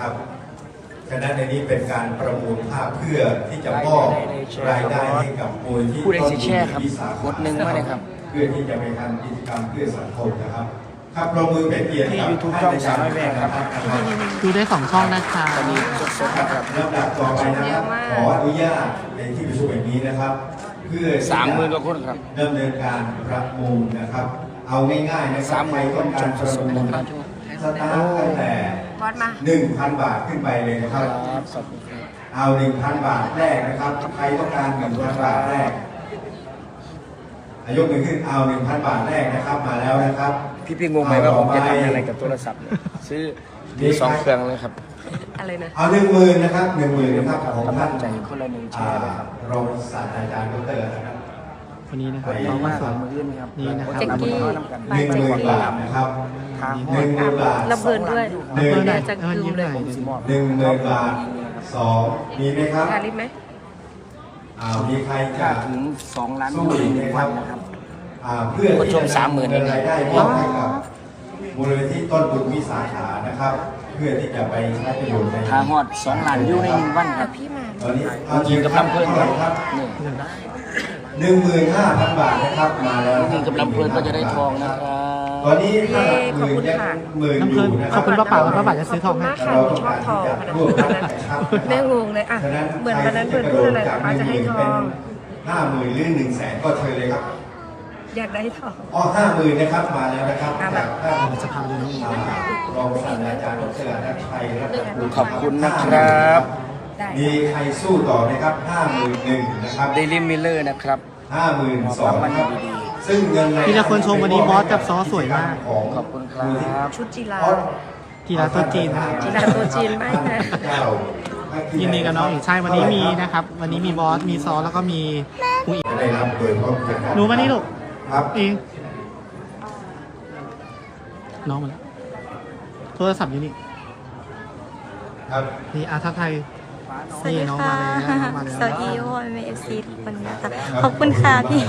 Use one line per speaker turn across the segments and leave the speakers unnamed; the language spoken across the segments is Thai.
นะครับฉะนั้นในนี้เป็นการประมูลภาพเพื่อที่จะมอบรายได้ให้กับมูลที่ต้นทุนวิสาขะนะครับเพื่อที่จะไปทำกิจกรรมเพื่อสังคมนะครับครับปรบมือเป็นเกียรติกับท่านอาจารย์ครับ
ดูได้2 ช่องนะคะ
ตอนนี้สดๆนะครับลำดับต่อไปนะครับขออนุญาตในที่ประชุมแห่งนี้นะครับเพื่อ
30,000 กว่าคนครับ
ดำเนินการประมูลนะครับเอาง่ายๆนะครับใครต้องการประมูลสตาร์ทตั้งแต่ 1,000 บาทขึ้นไปเลยนะครับเอา 1,000 บาทแรกนะครับใครต้องการ 1,000 บาทแรกยกมือขึ้นเอา 1,000 บาทแรกนะครับมาแล้วนะครับ
พี่งงไหมว่าผมจะทำอะไรกับโทรศัพท์ซื้อมี2 เครื่องเลยครับ
อะไรนะเอา 10,000 นะครับ 10,000 นะครับของท่าน
ใจคนละ1แชร์เลยครับ
รองศาสตราจารย์ดร.นะครับ
วันนี้นะครับน้องมาสอนนี่นะครับ
10,000 บาทนะครับ10,000 บาท
ระเบิดด้วยจะลืมเลย
10,000 บาท2มีไหมครับ
การลิฟไหม
มีใครจะ
ถึง2 ล้าน
สู้อีกไหมครับเพื่อที่จะนำเงินรายได้มอบให้กับมูลนิธิต้นบุญวิสาขานะครับเพื่อที่จะไปใช้ประโยชน์ใน
ทางหอด2 ล้านอยู่ใน1 วันครับ
ตอนนี้
ยิงกับลำเพลิน
ครับ15,000 บาทนะครับมาแล้ว
ยิงกับลำเพลินก็จะได้ทองนะครับ
ตอนนี้ถ้าหมื่นยังหมื่นอยู่นะครับ
ขอบคุณป้าป๋าจะซื้อทองให้
เราชอบทองแม่งงเลยอ่ะเหมือนวันนั้นเพื่อนพูดอะไรป้าจะให้ทอง
50,000 หรือ 100,000 ก็เชิญเลยครับ
อยากได้ทอง
50,000 นะครับมาแล้วนะครับจากท่าน
จะพาดูนี่
รองศาสตราจารย์ดร.ณัฐชัยรัตนกุล
ขอบคุณนะครับ
มีใครสู้ต่อไหมครับ 51,000 นะครับ
เดลิมิเลอร์นะครับ
52,000 นะครับซึ่งเงิน
ที่ละคนชมวันนี้บอสกับซอสวยมาก
ขอบคุณครับ
ชุดจีรา
ตัวจีน
จีราตัวจีนไม่นะ
ยินดีกับน้องอีกใช่วันนี้มีนะครับวันนี้มีบอสมีซอสแล้วก็มีผู้อีก
ได้รับโดยพร้อมกัน
หนูมานี่ลูก
ครับ
เองน้องมาแล้วโทรศัพท์อยู่นี่
ครับ
นี่ทักไทย
สวัสดีค่ะสวัสดีโอ้ยเอฟซีทุกคนนะคะขอบคุณค่ะพี่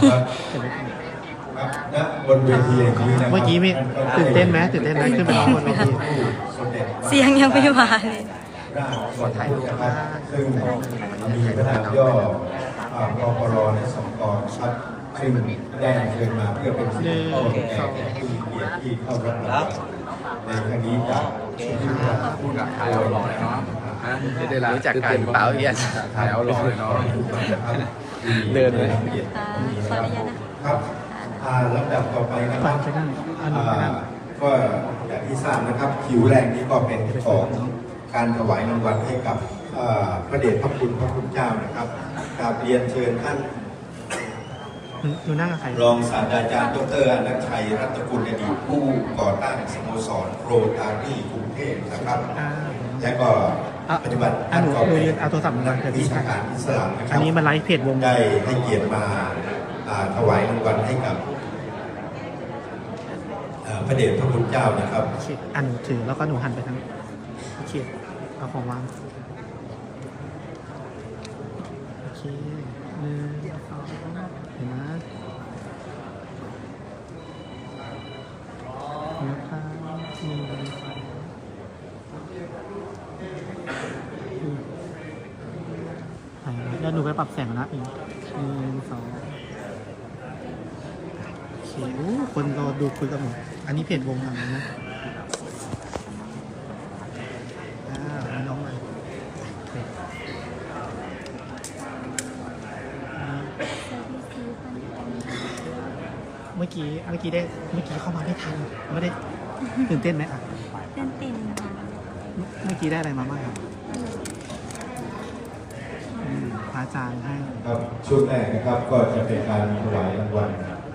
บนเวที
เมื่อกี้มีตื่นเต้นไหมขึ้นไปร้องบนเวที
เสียงยังไม่มาเลย
ขอถ่ายรูปนะครับซึ่งมีขนาดย่อกปรใน2 กองครับซึ่งได้เชิญมาเพื่อเป็นสิ่งที่แก่ผู้มีเกียรติที่เข้ารับรางวัลในครั้งนี้จากผู้กับถ่ายเอาหล่อเลยเนาะ
รู้จักกันเปล่าเฮีย
ถ่ายเอาหล่อเลยเนาะ
เดินเลย
ครับลำดับต่อไปนะครับก็อย่างที่ทราบนะครับคิวแรกนี้ก็เป็นของการถวายรางวัลให้กับพระเดชพระคุณพระคุณเจ้านะครับกราบเรียนเชิญท่านรองศาสตราจารย์ดร.อนันต์ชัยรัตนกุลอดีตผู้ก่อตั้งสโมสรโรตารี่กรุงเทพนะครับและก็ปฏิบัติ
ท่านก็เป็น
วิชาการอิสลามนะครับ
อันนี้มันไลฟ์เพจวง
ได้ให้เกียรติมาถวายรางวัลให้กับพระเดชพระคุณเจ้านะครับ
อันถือแล้วก็หนูหันไปทางเขียนเอาของวางโอเคเห็นไหมแล้วหนูไปปรับแสงนะอีก1 2คนรอดูคุยกับหนูอันนี้เพจวงทำนะน้องมาเมื่อกี้เข้ามาไม่ทันไม่ได้ตื่นเต้นไหม
ตื่นเต้นค่ะ
เมื่อกี้ได้อะไรมาบ้างครับพระอาจารย์ให้
ครับช่วงแรกนะครับก็จะเป็นการถวายรางวัล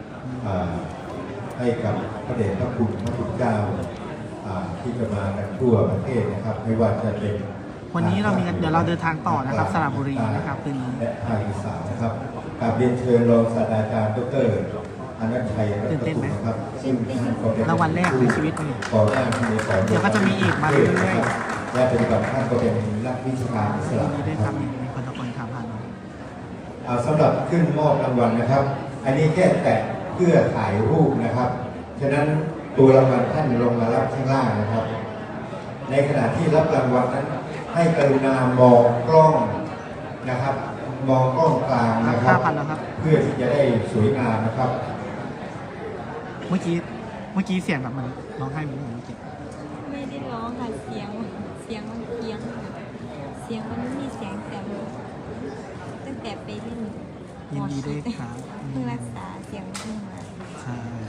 ให้กับพระเดชพระคุณพระคุณเจ้าที่จะมากันทั่วประเทศนะครับไม่ว่าจะเป็น
วันนี้เรามีเดี๋ยวเราเดินทางต่อนะครับสระบุรีนะครับคืนนี้
และภาคอีสานนะครับกราบเรียนเชิญรองศาสตราจารย์ดร.อนันต์ชัยรัตนกุลนะครับซึ่ง
รางวัลแรกในชีวิตนี่
ก่อตั้งสโมสร
เดี๋ยวก็จะมีอีกมาเรื่อย
ๆและเป็นแบบท่านก็เป็นนักวิชาการอิสลาม
ได้ทำมีคนตะโกนถามผ่าน
สำหรับขึ้นมอบรางวัลนะครับอันนี้แค่แตะเพื่อถ่ายรูปนะครับฉะนั้นตัวรางวัลท่านลงมารับข้างล่างนะครับในขณะที่รับรางวัลนั้น ให้กรุณามองกล้องนะครับ มองกล้องกลางนะครับ
5,000แล้วครับ
เพื่อที่จะได้สวยงามนะครับ
เมื่อกี้เสียงแบบมันร้องไห้เหมือนเมื่อกี้
ไม่ได้ร้องค่ะเสียงมันเพี้ยนเสียงมันไม่มีเสียงแต่ตั้งแต่ไปเล่น
ยินดีด้วยครับ
เพิ่งรักษาเสียงเพิ่งมา
ใช่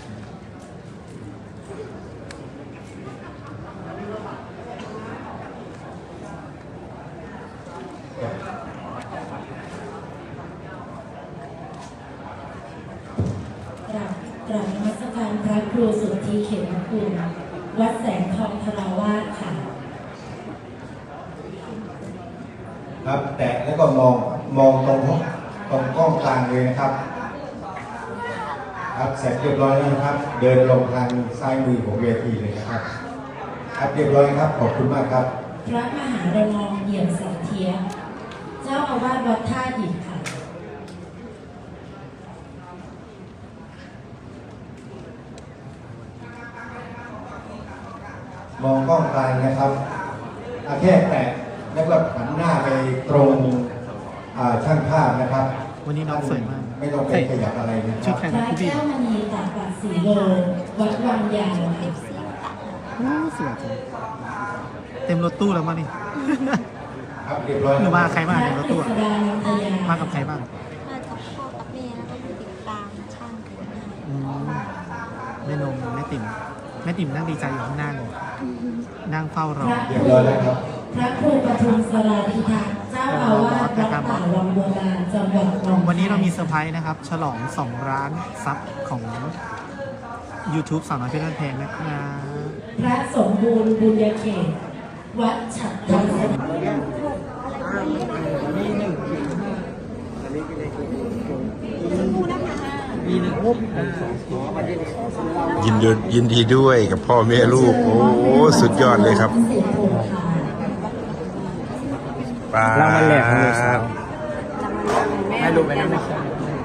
กราบนมัสการพระครูสุทธิเขมคุณวัดแสงทองธราวาสค่ะ
ครับแตะแล้วก็มองตรงกล้องกลางเลยนะครับครับเสร็จเรียบร้อยแล้วนะครับ เดินลงทางซ้ายมือของเวทีเลยนะครับครับเรียบร้อยครับขอบคุณมากครับ
พระมหาระนองเอี่ยมสันเทียเจ้าอาวาสวัดท่าหินค่ะ
มองกล้องกลางนะครับแค่แตะแล้วก็หันหน้าไปตรงช่างภาพนะครับ
วันนี้น้องสวยมาก
ไม่ต้องไปขยับอะไรนะค
ชุ
รั
ด
บ
แข่ง
พระ
พี่บี
แก้วมณีตากปัดสีโลวัดวังยางค่ะ
โอ้สวยจังเต็มรถตู้แล้วมั้งนี่
ครับเรียบร้อย
หนูมาใครบ้าง
พ
ใน
ระ
รถ
กฤ
ตู้
ษดานันทยา
มากับใครบ้าง
มากับพ่อกับแม่แล้วก็ติดตามช่างถึงหน้า
อืมแม่นมแม่ติ๋มนั่งดีใจอยู่ข้างหน้าเลยนั่งเฝ้ารอ
เรียบร้อยแล้วครับ
พระครูปทุมสราธิทักษ์เจ้าอาวาสวัดป่าวังบัวบานจังหวัดหนองคาย
วันนี้เรามีเซอร์ไพรส์นะครับ ฉลอง 2 ล้านซับของ YouTube สาวน้อยเพชรบ้านแพงนะครับ
พระสมบูรณ์บุญญาเขตวัดฉัตรธรรม
ยินดีด้วยกับพ่อแม่ลูก โอ้สุดยอดเลยครับป้าร
างวัลแรกของลูกสาวให้ลูกไปนั่งนะครับ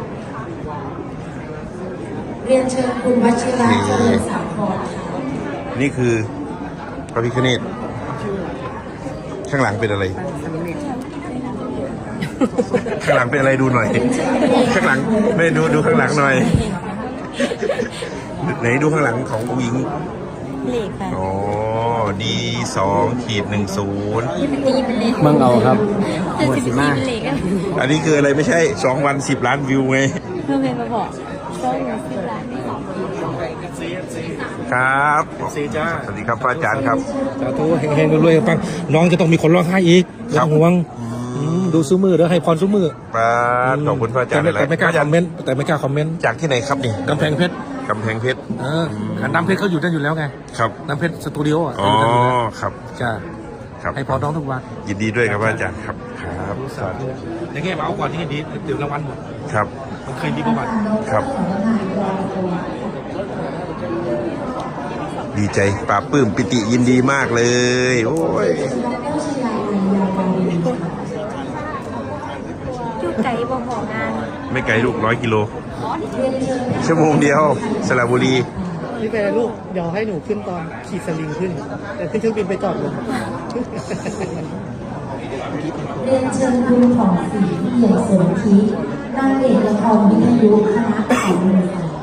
เรียนเชิญคุณวชิระเจริญสาครค่ะ
นี่คือพระพิฆเนศข้างหลังเป็นอะไร ข้างหลังเป็นอะไรดูหน่อย ข้างหลังไม่ดูข้างหลังหน่อย ไหนดูข้างหลังของผู้หญิง
เหล็กค่ะ
อ๋อD2-10
ที่เป็นตีเป็นเหล็ก
เมืองเอาครับ
จะ
หมวด
สิบ
สี
ตี
มา
เป็นเหล็กอะ
อันนี้คืออะไรไม่ใช่2 วัน10 ล้านวิวไง
เพื่อนเป็นมาบอกช่องหนูสิบล้านไม่สอง
ครับ
สีจ้า
สวัสดีครับพระอาจารย์ครับ
สาธุเฮงๆรวยๆปังน้องจะต้องมีคนร้องไห้อีก
ครั
ต้
บ
องห่วงดูซุ้มือแล้วให้พรซุ้มือ
ครับขอบคุณพระอาจารย์
แต่ไม่กล้าคอมเมนต์แต่ไม่กล้าคอมเมนต์
จากที่ไหนครับนี่
กำแพงเพชร
กำแพงเพชร
น้ำเพชรเขาอยู่นั่นอยู่แล้วไง
ครับ
น้ำเพชรสตูดิโออ่ะ
อ๋อ
เขาอยู่นั่นอยู่แล้ว
ครับ
จ้า
ครับ
ให้พรน้องทุกวัน
ยินดีด้วยครับพระอาจารย์ครับครับสาธุ
ในแง่มาเอาก่อนที่ดีเดี๋ยวรางวัลหมด
ครับ
มันเคยมีประวัติ
ครับ ดีใจปลาบปลื้มปิติยินดีมากเลย โอ้ย
จุดไก่บ่หองาน
ไม่ไกลลูก100 กิโล ชั่วโมงเดียวสระบุรี
พี่เป็นลูก เดี๋ยวให้หนูขึ้นตอนขี่สลิงขึ้น แต่ขึ้นเครื่องบินไปจอดลง
เรียนเชิญคุณของศรีเอี่ยมสนธินางเอกละครวิทยุคณะของบริษัท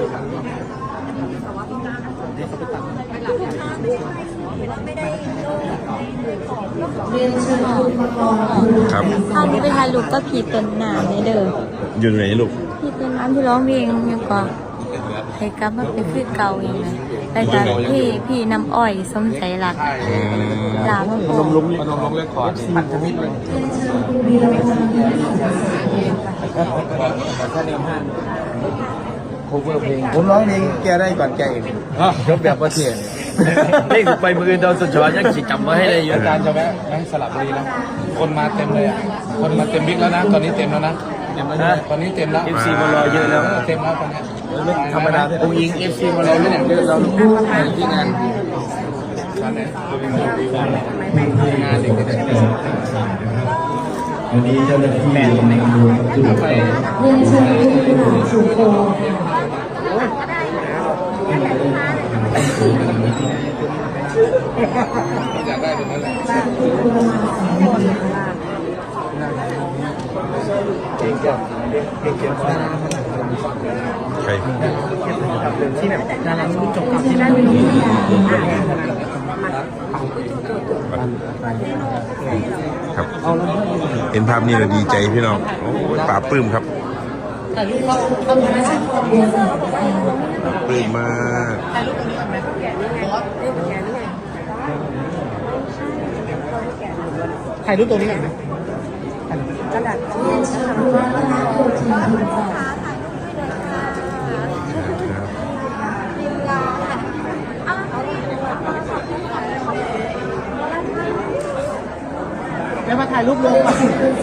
เรียนเชิญคุณประกรณ์ภู
ครับ
ถ้าที่ไปถ่ายรูปก็ผีต้นน้ำในเด้อ
อยู่ไหนลูก
ผีต้นน้ำที่ร้องเพลงยังก็ให้กลับมาเป็นคือเก่าอย่างไรแต่จากพี่น้ำอ้อยสมใจหลักหลาพ่อ
ลงเรื่องก่อนพันธมิตรเลย
เรียนเชิญคุณวีรพงษ์ยิ้มสุขสาร
ถ้าเดิมห้างโคเวอร์เพลงผมร้องเพลงแกได้ก่อนแกเองยกแบบว่าเทียนเพลงไปมือโดนสุดยอดยังจำไว้ให้ได้เยอะการจะแวะสลับบุรีแล้วคนมาเต็มเลยอ่ะคนมาเต็มบิ๊กแล้วนะตอนนี้เต็มแล้วนะเต็มแล้วนะตอนนี้เต็มแล้ว FC มารอเยอะแล้วเต็มแล้วตอนนี้ธรรมดาองค์ยิง FC มารอเยอะเยอะเราที่งานงานเด็ก
วันนี้เจ้าหน้าที่ลงมาดูจุดไป
เรียนเชิญคุณกุหลาบชูโค
อยากได้แบบนั้นแหละ
ใคร
ที่แบบดารารุ่นจบกับที่ได้เป็น
ครับ เห็นภาพนี้เราดีใจพี่น้องโอ้ยปลาบปลื้มครับปลาบปลื้มมาก
ถ่ายรูปตัวนี้ก่อนไหม
กระดาษ
แล้วมาถ่ายรูปรวมก่อน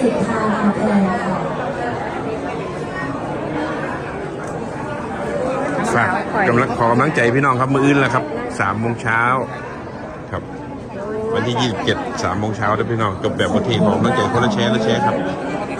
ฝากกำลังขอกำลังใจพี่น้องครับ มื้ออื่นแล้วครับ3 โมงเช้าครับ วันที่ 27 3 โมงเช้านะพี่น้องจบแบบประเทศของกำลังใจคนละแชร์ครับ